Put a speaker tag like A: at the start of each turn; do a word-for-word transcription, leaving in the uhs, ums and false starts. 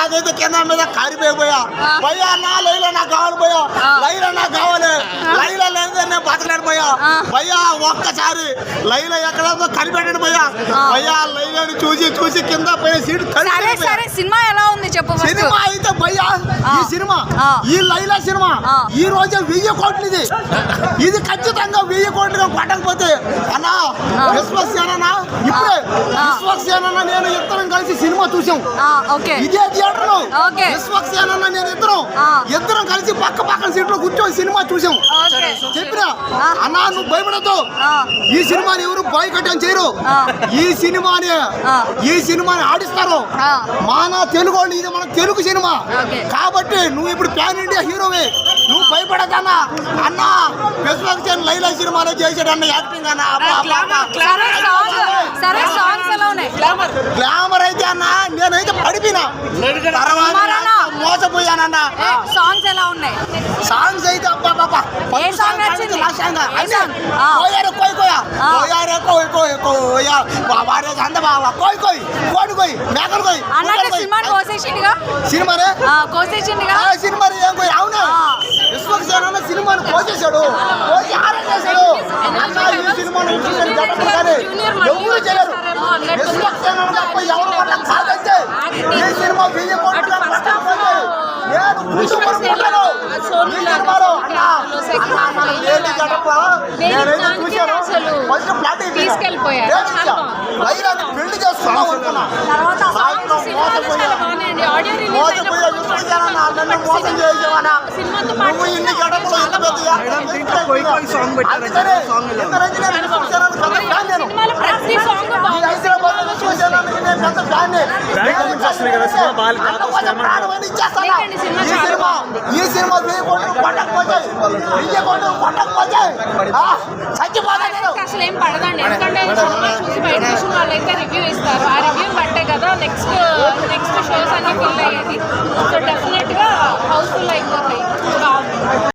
A: నాకైతే కింద మీద కారిపోయిపోయా భయ్యా నా లైలా నాకు కావాలి భయ్యా లైలా నాకు కావాలి లైలా లేదా నేను బతకలేను భయ్యా భయ్యా ఒక్కసారి లైలా ఎక్కడ కనిపెట్టాడు భయ్యా భయ్యా లైలాని చూసి చూసి కింద పోయి సీట్
B: సినిమా ఎలా ఉంది చెప్పు.
A: సినిమా అయితే భయ్యా ఈ సినిమా ఈ లైలా సినిమా ఈ రోజు వెయ్యి కోట్లు ఇది ఇది ఖచ్చితంగా వెయ్యి కోట్లు కొట్టకపోతే అన్నా విశ్వసేన ఇప్పుడే విశ్వసేన నేను ఇద్దరం కలిసి సినిమా చూసాం ఇదే థియేటర్ లో విశ్వసేన నేను ఇద్దరం ఇద్దరం కలిసి పక్క పక్కన సీట్ లో కూర్చొని సినిమా చూసాం చెప్పినా అన్నా నువ్వు భయపడద్దు ఈ సినిమాని ఎవరు బాయ్కట్ అని చేయరు ఈ సినిమాని ఈ సినిమాని ఆడిస్తారు మన తెలుగు వాళ్ళు ఇది మన తెలుగు సినిమా కాబట్టి నువ్వు ఇప్పుడు ప్యాన్ ఇండియా హీరోవే నువ్వు భయపడదన్నా అన్న విశ్వసేన లైలా సినిమాలో చేసాడు అన్న యాక్టింగ్ అన్న గ్లామర్ అయితే అన్న నేనైతే పడిపోయినా తర్వాత మోసపోయానన్న.
B: సాంగ్స్ ఎలా ఉన్నాయి?
A: సాంగ్స్ అయితే అబ్బా బాబా
B: ఏ సాంగ్ నచ్చింది?
A: కోయారే కోయ్ కోయా కోయారే కోయ్ కోయ్ కోయా బాబారే సంద బాబా కోయ్ కోయ్ కోడి కోయ్ మేకలు కోయ్
B: అన్నట్టు సినిమాని కోసేసిండుగా
A: సినిమానే
B: కోసేసిండుగా
A: సినిమా ఏం కోయ్ అవునా విశ్వసేన సినిమాని కోసేశాడు కోసి ఆరెంజ్ చేశాడు ఈ సినిమాని ఎవరు చేయరు విశ్వసేన తప్ప ఎవరు వల్ల కాదంటే ఈ సినిమా వెయ్యి కోట్లు నేను కూర్చోబడుకుంటాను ఈ సినిమాలో అన్న అన్న లేని గడప నేనైతే చూశాను ఫస్ట్ ఫ్లాట్
C: తీసుకెళ్ళిపోయారు
A: పెళ్లి చేసుకున్నావు అనుకున్నా మోసపోయా విశ్వసేన నన్ను మోసం చేసేవానా నువ్వు ఇన్ని గడపలో ఎంత హైదరాబాద్ విశ్వసేన నేను పెద్ద ఫ్యాన్ ఈ సినిమా ఈ సినిమా వెయ్యి కోట్లు కొట్టకపోతాయి వెయ్యి కోట్లు కొట్టకపోతాయి చచ్చిపోతాను
C: అసలు ఏం పడదండి ఎందుకంటే సినిమా చూసి బయట వాళ్ళు అయితే రివ్యూ ఇస్తారు ఆ రివ్యూ బట్టే కదా నెక్స్ట్ నెక్స్ట్